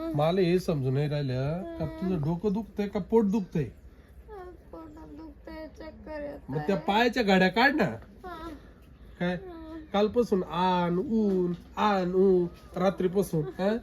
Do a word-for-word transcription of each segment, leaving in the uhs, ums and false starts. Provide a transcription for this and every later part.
मला हे समजून नाही राहिलं का तुझं डोकं दुखतंय का पोट दुखतंय. मग त्या पायाच्या गाड्या काढ ना. काय कालपासून आण ऊन आण ऊन रात्रीपासून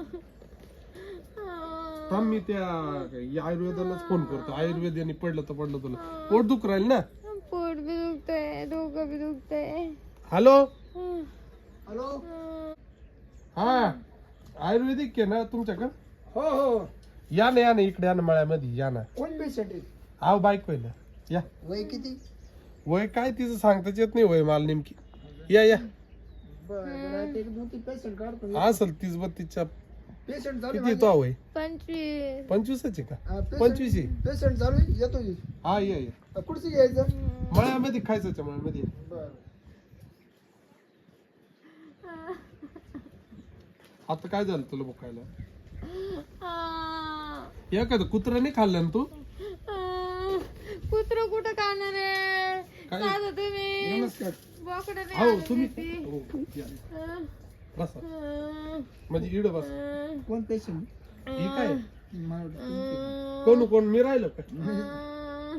थांब मी त्या आयुर्वेदालाच फोन करतो. आयुर्वेदाने पडलं तर पडलं तुला. पोट दुख राहील ना. पोट बी दुखतंय डोकं बी दुखतंय. हॅलो हॅलो हा आयुर्वेदिक आहे ना तुमच्याकडं. हो हो या ना या ना इकडे या ना मळ्यामध्ये या ना. कोण पेशंट आहे? आव बायको आहे ना. या. वय किती? वय काय तिचं सांगताच येत नाही वय मला नेमकी. या या बरं एक दोन तीन पेशंट काढतो. असल तीस बत्तीसच्या पेशंट चालू किती तो वय पंचवीस पंचवीसच आहे का. पंचवीस आहे. पेशंट चालू आहे, येतो की. हा या या कुठची घ्यायचं? मळ्यामध्ये खायचं मळ्यामध्ये. बरं आता काय झालं तुला बोकायला. एखादं कुत्रा नाही खाल्लं ना तू. कुत्र कुठं खाणार आहे. काय? साधं तुम्ही नमस्कार. बोकडं नाही हो आणली तुम्ही ती. हो, या. अं, बसा अं, म्हणजे इड बस. अं, कोण पेशंट? ही काय मला वाटलं तुमचे. अं, कोण कोण मी राहिलो का. अं,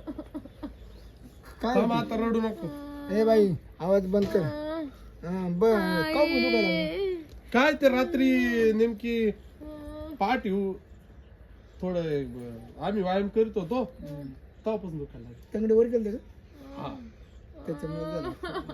काय थांब आता रडू नको. ए बाई आवाज बंद कर. अं, हा, बरं का बोलू का? काय ते रात्री नेमकी अं, पाठ येऊ थोडं ब- आम्ही व्यायाम करत होतो तेव्हापासून दुखायला लागलं. तंगडे वर केलं का? हा त्याच्यामुळे झालं.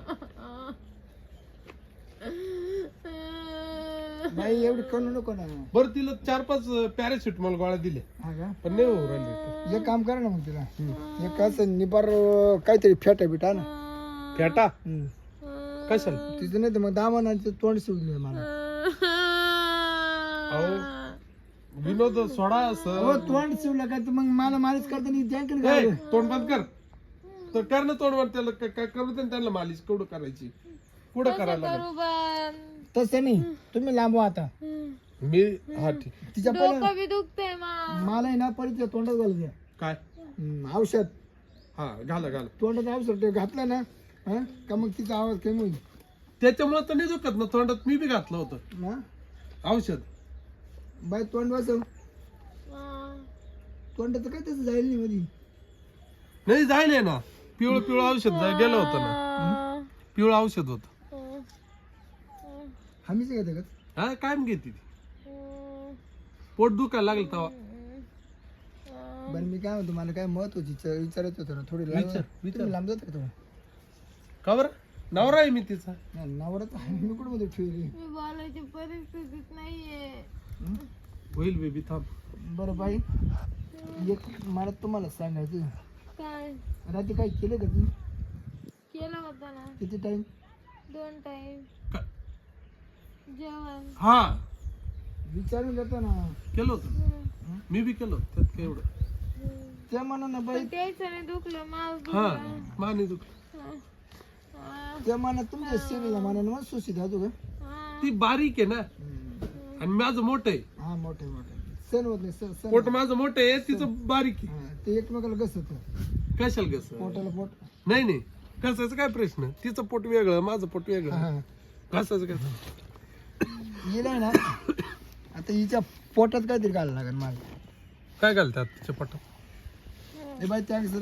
बाई एवढं करू नको ना. बरं तिला चार पाच पॅरासिटामॉल गोळ्या दिले हा का? पण नाही होऊ राहिले. एक काम करा ना मग तिला. एक असं निबार काहीतरी फेटा बिटा ना. फेटा हम्म. कशाला. तिचं नाही तर मग दामानाचं तोंड शिवले मला. अहो विनोद सोडा हो सर. तोंड शिवलं काय तर मग मला मालिश करताना जॅकेट ए, घाल. तोंड बंद कर. तर कर ना तोंड बंद. त्याला काय काय करू दे ना त्यांना मालिश केवढं करायची पुढं करायला लागेल. करू बंद. तसं नाही तुम्ही लांबवा आता. मी हा ठीक. तिच्या पहिलं डोकं बी दुखतंय मा. मला आहे ना परिचय तोंडात घालू द्या. काय हम्म, औषध हा घाला घाला. तोंडात औषध ते घातलं ना हा का मग तिचा आवाज कमी होईल त्याच्यामुळे तर नाही दुखत ना. तोंडात मी बी घातलं होतं ना. औषध. बाय तोंड वाचव. अं, तोंडाचं काय तसं जाईल नाही मध्ये. नाही जायले ना. पिवळं पिवळं औषध जाय गेलं होतं ना. अं, पिवळं औषध होतं. अं, अं, हमीच घेते का? हा काय घेते ती. अं, पोट दुखायला लागलं तेव्हा. अं, बरं मी काय म्हणतो मला काय महत्वाची विचार- विचारायचं होतं ना थोडी विचार, लांब विचार. तुम्ही लांब जात का तुम्ही? का बरं नवरा आहे मी तिचा. नाही, नवराच आहे मी कुठं मध्ये ठेवली. मी बोलायची परिस्थितीत नाहीये. होईल बेबी थांब. बरं बाई एक मला तुम्हाला सांगायचं. काय रात्री काय केलं का तुम्ही? केलं होतं ना किती टाइम? दोन टाइम का- जेवण. हा विचारून जातो ना. केलं होतं मी बी केलं होतं. त्यात काय एवढं. त्या मनानं बाई पण त्याचं नाही दुखलं माझ हा माने दुख. त्या मनात तुमच्या शरीराला मनानं मग सुशी धातू का? ती बारीक आहे ना आणि माझं मोठं आहे. हा मोठे मोठे सण होत नाही सण सण. पोट माझं मोठं आहे तिचं बारीक आहे. हा, ते एकमेकाला घसत कशाला कस पोटाला पोट. नाही नाही कसायचं काय प्रश्न. तिचं पोट वेगळं माझं पोट वेगळं. हा कसायचं काय. गेलाय ना आता हिच्या पोटात काहीतरी घालायला लागेल मला. काय घालतात तिच्या पोटात. ए बाई त्या सर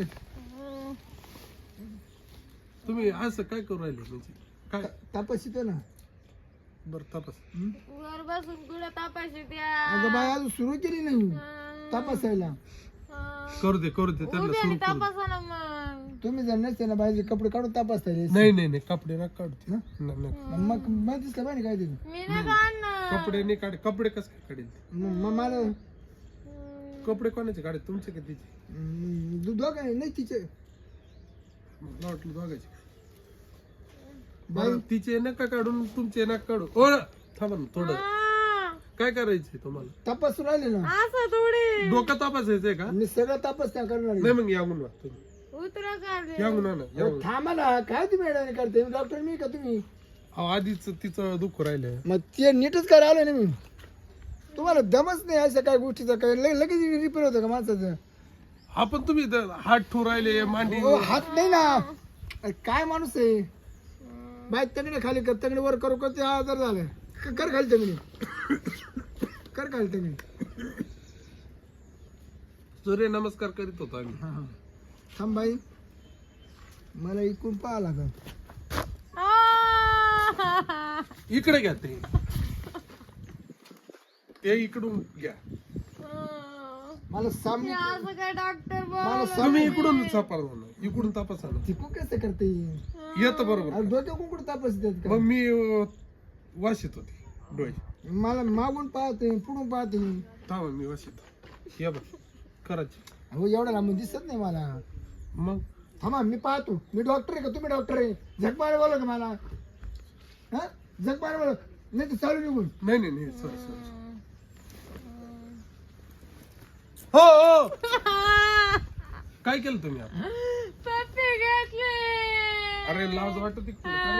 तुम्ही असं काय करू राहिले म्हणजे काय. तापस येतो ना. बरं तपास. हं? वर बसून कुठं तापाशी द्या. अगं बाई अजून सुरू केली नाही तपासायला. करू दे करू दे त्यांना उभ्याने सुरू करू दे. तापासा ना मग. तुम्ही जर नसते ना बाईचे कपडे काढून तपासता येईल. नाही नाही नाही कपडे ना काढते. हं? नाही, नाही. मग मग दिसलं पाहिजे काय ते. मी नाही काढणार. कपडे नाही काढे. कपडे कसं काय काढेल. मग मग मला कपडे कोणाचे काढे तुमचे का तिचे. हं, दु- दोघं नाही नाही तिचे मला वाटलं दोघांचे. बाई बरं तिचे नका काढून तुमचे नका काढू. ओ ना, थांबा ना थोडं. हा. काय करायचंय तुम्हाला. तपासून राहिले ना. असं थोडी डोकं तपासायचंय का. मी सगळं तपास त्या करणार आहे. नाही मग यागून वा तुम्ही. उतरा काढ. यागून आणा अहो, यागून. थांबा ना काय तुम्ही अडाणी करते डॉक्टर मी का तुम्ही. अहो, आधीच तिचं दुःख राहिलं. मग ते नीटच करायला आलो ना मी. तुम्हाला दमच नाही अशा काय गोष्टीचा काय लगे- लगेच रिपेअर होतं का माणसाचं. हा पण तुम्ही इथं हात ठू राहिले मांडी. ओ, हात नाही ना. अरे काय माणूस आहे बाय. तंगडे खाली कर तंगडे वर करू का ते आजार झालं. क- कर खाली तंगडे कर काय तुम्ही सूर्य नमस्कार करीत होतो आम्ही. हा हा थांब बाई मला इकडून पाहा लागल. आ! इकडे घ्या ते ते इकडून घ्या. मला सामने हे असं काय डॉक्टर मला बोल सामने तुम्ही इकडून तपासा ना, इकडून तपासा ना. तिकू कसं करते येत बरोबर. अरे डोक्या कुंकुड तापस देत मग का मी अं, वाशीत होती डोळे. मला मागून पाहते पुढून पाहते. थांबा मी वाशीत या बघ करायची. अहो एवढा लांब दिसत नाही मला. मग थांबा मी पाहतो. मी डॉक्टर आहे का तुम्ही डॉक्टर आहे? झकमारे बोला का मला हा झकमारे बोला नाही तर चालू निघून. नाही नाही नाही सॉरी सॉरी. हो हो काय केलं तुम्ही आता? पप्पी घेतली. अरे लाज वाटत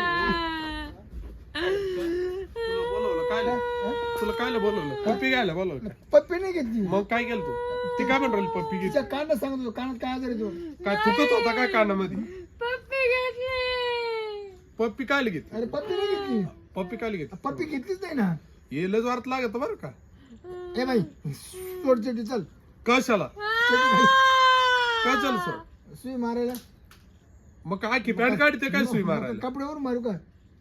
तुला बोलवलं काय तुला कायला बोलवलं? पप्पी घ्यायला बोलवलं. पप्पी नाही घेतली. मग काय केलं तू? ती काय म्हणून राहिली पप्पी घे? तिच्या कानात सांगत होतो कानात काय आजार येतो. काय थुकत होता काय कानामध्ये? पप्पी घेतली. पप्पी कायला घेतली? अरे पप्पी नाही घेतली. पप्पी कायला घेतली? पप्पी घेतलीच नाही ना. हे लज वारत लागत बरं का. ए बाई सोड चेटी चल. कशाला काय चल सर सुई मारायला मग काय की पॅन्ट काढते काय सुई मारायला? कपड्यावर मारू का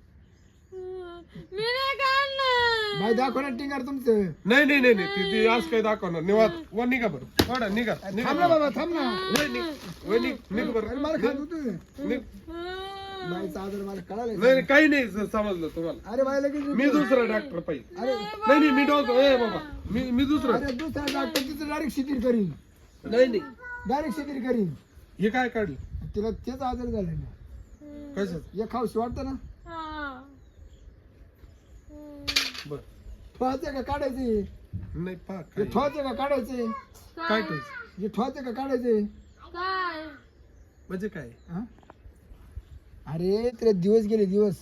मी नाही काढणार. बाई दाखव ना टिंगार तुमचं. नाही नाही नाही नाही ती ती आज काय दाखवणार निवात व निघा बरं वाडा निघा निघा थांब ना बाबा थांब ना. वय निघ वय निघ निघ बरं अरे मला खात होतं. निघ. बाईचा आजार मला कळाला. नाही नाही, काही नाही स- समजलं तुम्हाला. अरे बाई लगेच मी दुसरा डॉक्टर पाहिजे. अरे नाही नाही मी डॉक्टर ए बाबा मी मी दुसरा अरे दुसरा डॉक्टर तिचं डायरेक्ट शिथिल करीन. नाही नाही डायरेक्ट शिथिल करीन. हे काय काढलं तिला तेच आजार झाला ना. कसं हे खाऊशी वाटतं ना. हा. बर ठोवायचं का काढायचे? नाही पा हे काय ठोवायचं का काढायचे? काय करायचं हे ठोवायचं का काढायचे? काय म्हणजे काय? हा? अरे तिला दिवस गेले दिवस.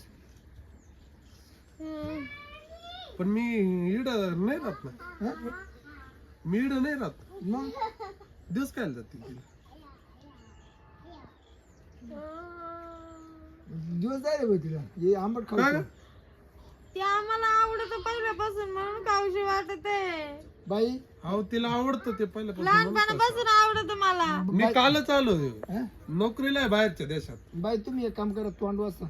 हम्म. पण मी इड नाही राहत ना. हा? मी इड नाही राहत. मग दिवस काय जाते तिला? दिवस जायला भाई तिला. हे आंबट काय खाऊ. ग? ते आम्हाला आवडत पहिल्यापासून म्हणून खाऊशी वाटत आहे. बाई अहो तिला आवडतं ते पहिल्यापासून म्हणून तर. लहानपणापासून आवडत मला. मी कालच आलो हा? नोकरीला आहे बाहेरच्या देशात. बाई तुम्ही एक काम करा तोंड वाचा.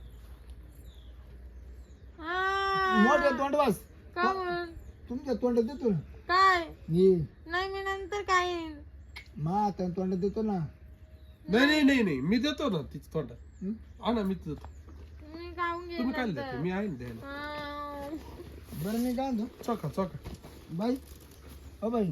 हा. मोठ्या तोंड वाच. का म्हणून? तुमच्या तोंडात देतो ना. काय ये नाही मी नंतर काय मा आता तोंडात देतो ना. नाही नाही नाही नाही मी देतो ना तिच्या तोंडात. हं? हा ना मीच देतो. मी खाऊन घेईन तुम्ही काय नंतर. देते मी आहे ना द्यायला. हा. बरं मी काय म्हणतो चोखा चोखा. बाई अ बाई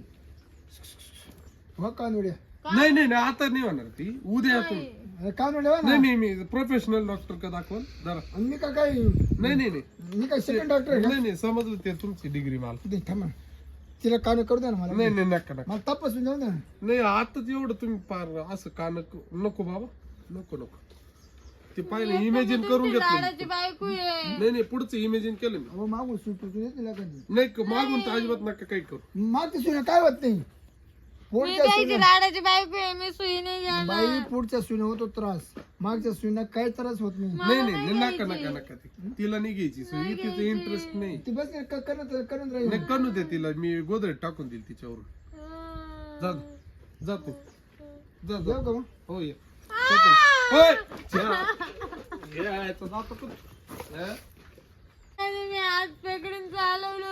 हो कानवड्या. नाही नाही नाही आता नाही होणार ती उद्या तुम्ही. अरे कानवड्या हो ना. नाही नाही मी प्रोफेशनल डॉक्टर का दाखवाल जरा. आणि मी का काय नाही नाही नाही मी काय सेकंड डॉक्टर आहे का? नाही नाही समजलं ते तुमची डिग्री मला. दे थांबा तिला कान करू द्या ना मला. नाही नाही नका नका. मला तपासून जाऊ द्या ना. नाही आताच एवढं तुम्ही पार असं कान नको बाबा नको नको. ते पाहिलं इमेजिन करून घेतलं मी. लाडाची बायको आहे. नाही नाही पुढचं इमेजिन केलं मी. अहो मागून सुटू येते तिला कधी. नाही क- मागून तर अजिबात नका काही करू. मागच्या सुना काय होत नाही. मी पुढच्या द्यायची सुना लाडाची बायको आहे. मी सुई नाही घेणार. बाई पुढच्या सुना होतो त्रास. मागच्या सुना काही त्रास होत नाही. नाही नाही नाही, नका नका नका ती. तिला नाही घ्यायची सोय तिचं इंटरेस्ट नाही. ती बस क- करत करत राहील. नाही करू दे तिला मी गोदरेज टाकून देईल तिच्यावरून. हम्म. जा जा तू जा जा. जाऊ का मग? हो ये होय जा. यायचं जातो का? हा? आणि मी हात पकडून चालवलं